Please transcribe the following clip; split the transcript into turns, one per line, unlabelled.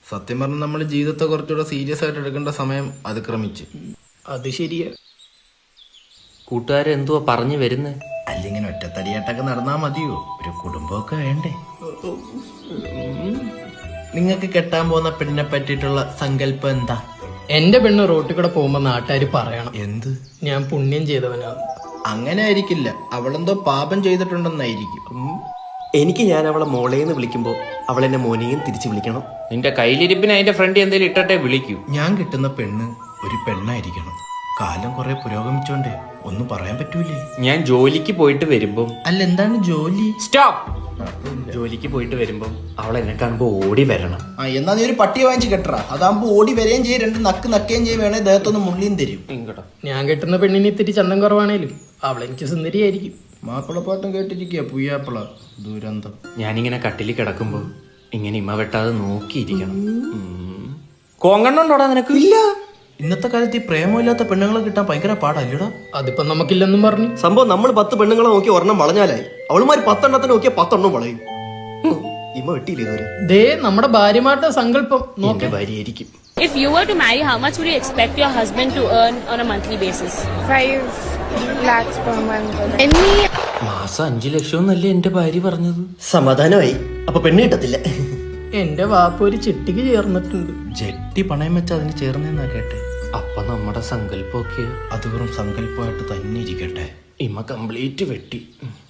സത്യം പറഞ്ഞാൽ നമ്മൾ ജീവിതത്തെ കുറച്ചുകൂടെ സീരിയസ് ആയിട്ട് എടുക്കേണ്ട സമയം അതിക്രമിച്ച്.
അത് ശരിയാ.
കൂട്ടുകാരെന്തുവാ പറഞ്ഞു വരുന്നേ?
അല്ലെങ്കിൽ ഒറ്റത്തടിയായിട്ടൊക്കെ നടന്നാ മതിയോ? ഒരു കുടുംബമൊക്കെ വേണ്ടേ? നിങ്ങൾക്ക് കെട്ടാൻ പോകുന്ന പെണ്ണിനെ പറ്റിയിട്ടുള്ള സങ്കല്പം എന്താ?
എന്റെ പെണ്ണ് റോട്ടിൽ കൂടെ പോകുമ്പോ നാട്ടുകാർ പറയണം
എന്ത്?
ഞാൻ പുണ്യം ചെയ്തവനാണ്.
അങ്ങനെ ആയിരിക്കില്ല, അവളെന്തോ പാപം ചെയ്തിട്ടുണ്ടെന്നായിരിക്കും.
എനിക്ക് ഞാൻ അവളെ മോളേന്ന് വിളിക്കുമ്പോ അവൾ എന്നെ മോനെയും തിരിച്ചു വിളിക്കണം.
നിന്റെ കയ്യിലിരിപ്പിന് അതിന്റെ ഫ്രണ്ട് എന്തെങ്കിലും ഇട്ടട്ടെ വിളിക്കൂ.
ഞാൻ കിട്ടുന്ന പെണ്ണ് ഒരു പെണ്ണായിരിക്കണം. കാലം കുറെ പുരോഗമിച്ചോണ്ടേ ഒന്നും പറയാൻ പറ്റൂലേ.
ഞാൻ ജോലിക്ക് പോയിട്ട് വരുമ്പം
അല്ല, എന്താണ് ജോലി?
സ്റ്റോപ്പ്. ജോലിക്ക് പോയിട്ട് വരുമ്പം അവൾ എന്നെ കാണുമ്പോ ഓടി വരണം.
എന്നാ നീ ഒരു പട്ടിയെ വാങ്ങിച്ച് കെട്ടറ. അതാകുമ്പോ ഓടി വരെയും ചെയ്യും, രണ്ട് നക്ക് നക്കുകയും ചെയ്യും, വേണേ ദേഹത്തൊന്ന് മുള്ളിയും തരും.
ഇങ്ങോട്ടോ.
ഞാൻ കെട്ടുന്ന പെണ്ണിന് ഇത്തിരി ചന്തം കുറവാണേലും അവളെനിക്ക് സുന്ദരിയായിരിക്കും.
മാപ്പിളപ്പാട്ടും കേട്ടിരിക്കുക പുയ്യാപ്പിള ദുരന്തം.
ഞാനിങ്ങനെ കട്ടിലിൽ കിടക്കുമ്പോ ഇങ്ങനെ ഇമ്മ വെട്ടാതെ നോക്കിയിരിക്കണം. കോങ്കണ്ണുണ്ടോടാ നിനക്ക്?
ഇല്ല. ഇന്നത്തെ കാലത്ത് ഈ പ്രേമമില്ലാത്ത പെണ്ണുങ്ങളെ കിട്ടാൻ ഭയങ്കര പാടല്ലേടാ.
അതിപ്പോ നമുക്കില്ലെന്നും പറഞ്ഞു.
സംഭവം നമ്മൾ 10 പെണ്ണുങ്ങളെ നോക്കി ഒരെണ്ണം വളഞ്ഞാലായി. അവളുമാര് 10 എണ്ണത്തിന് നോക്കിയാൽ 10 എണ്ണം വളയും. ഇമ്മ വെട്ടിയില്ലേ ഇതുവരെ?
ദേ നമ്മുടെ ഭാര്യമാരുടെ സങ്കല്പം
എന്റെ
നോക്കി.
ഭാര്യയായിരിക്കും.
If you were to marry, how much would you expect your husband to earn on a monthly basis?
5 lakhs per month.
മാസം 5 ലക്ഷം എന്നല്ലേ എന്റെ ഭാര്യ പറഞ്ഞത്?
സമാധാനമായി. അപ്പൊ പെണ്ണ് കിട്ടത്തില്ല.
എന്റെ വാപ്പ ഒരു ചിട്ടിക്ക് ചേർന്നിട്ടുണ്ട്.
ജെട്ടി പണയം വെച്ച് അതിന് ചേർന്നെന്നാ കേട്ടെ.
അപ്പൊ നമ്മുടെ സങ്കല്പമൊക്കെ
അത് വെറും സങ്കല്പമായിട്ട് തന്നെ ഇരിക്കട്ടെ.
ഇമ്മ കംപ്ലീറ്റ് വെട്ടി.